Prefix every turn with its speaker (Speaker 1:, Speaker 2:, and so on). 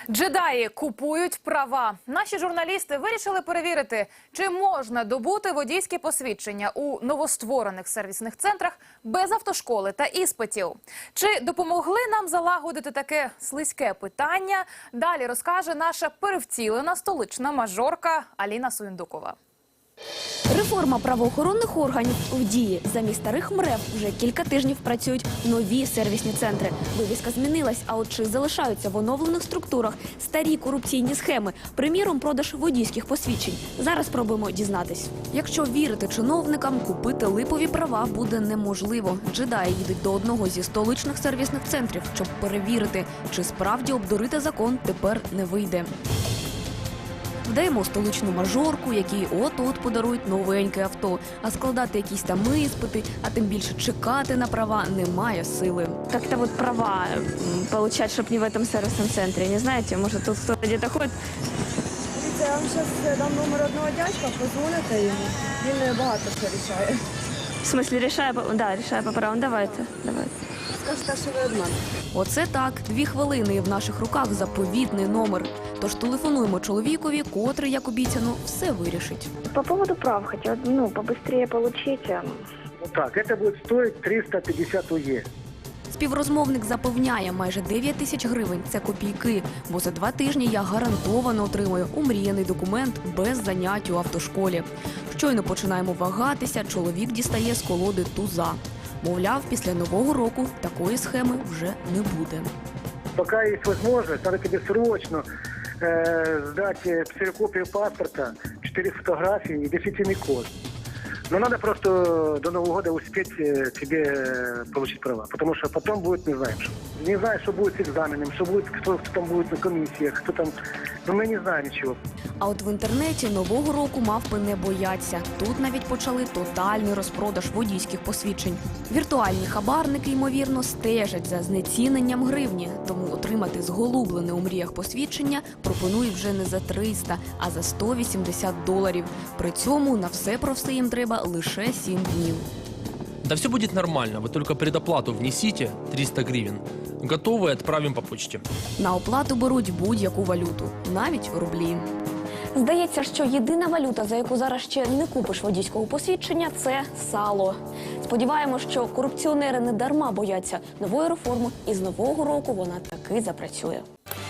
Speaker 1: Джедаї купують права. Наші журналісти вирішили перевірити, чи можна добути водійські посвідчення у новостворених сервісних центрах без автошколи та іспитів. Чи допомогли нам залагодити таке слизьке питання? Далі розкаже наша перевтілена столична мажорка Аліна Суєндукова.
Speaker 2: Реформа правоохоронних органів в дії. Замість старих МРЕВ вже кілька тижнів працюють нові сервісні центри. Вивіска змінилась, а от чи залишаються в оновлених структурах старі корупційні схеми, приміром, продаж водійських посвідчень. Зараз спробуємо дізнатись. Якщо вірити чиновникам, купити липові права буде неможливо. Джедаї їдуть до одного зі столичних сервісних центрів, щоб перевірити, чи справді обдурити закон тепер не вийде. Вдаємо столичну мажорку, якій от-от подарують новеньке авто. А складати якісь там іспити, а тим більше чекати на права немає сили.
Speaker 3: Как-то вот права получать, чтобы не в этом сервисном центре. Не знаете, может тут кто-то где-то ходит?
Speaker 4: Я вам зараз дам номер одного дядька, позвоните йому. Він багато що рішає.
Speaker 3: В смысле, решая по правам. Давайте.
Speaker 4: Скажете, що ви від мене.
Speaker 2: Оце так, 2 хвилини і в наших руках заповітний номер. Тож телефонуємо чоловікові, котрий, як обіцяно, все вирішить.
Speaker 5: По поводу прав хотел, побыстрее получить.
Speaker 6: Вот так, это будет стоить 350 УЕ.
Speaker 2: Співрозмовник запевняє, майже 9 тисяч гривень – це копійки, бо за 2 тижні я гарантовано отримаю омріяний документ без занять у автошколі. Щойно починаємо вагатися, чоловік дістає з колоди туза. Мовляв, після Нового року такої схеми вже не буде.
Speaker 6: Пока есть возможность, надо тебе срочно сдать ксерокопию паспорта, 4 фотографии и дефицитный код. Но надо просто до Нового года успеть тебе получить права, потому что потом будет не знаем что. Не знаю, что будет с экзаменом, что будет, кто там будет на комиссиях, кто там, но мы не знаем ничего.
Speaker 2: А от в інтернеті Нового року мавпи не бояться. Тут навіть почали тотальний розпродаж водійських посвідчень. Віртуальні хабарники, ймовірно, стежать за знеціненням гривні. Тому отримати зголублене у мріях посвідчення пропонують вже не за 300, а за $180. При цьому на все про все їм треба лише 7 днів.
Speaker 7: Да все будет нормально, вы только предоплату внесите, 300 гривен. Готовы, отправим по почте.
Speaker 2: На оплату беруть будь-яку валюту, навіть рублі.
Speaker 3: Здається, що єдина валюта, за яку зараз ще не купиш водійського посвідчення – це сало. Сподіваємось, що корупціонери не дарма бояться нової реформи, і з Нового року вона таки запрацює.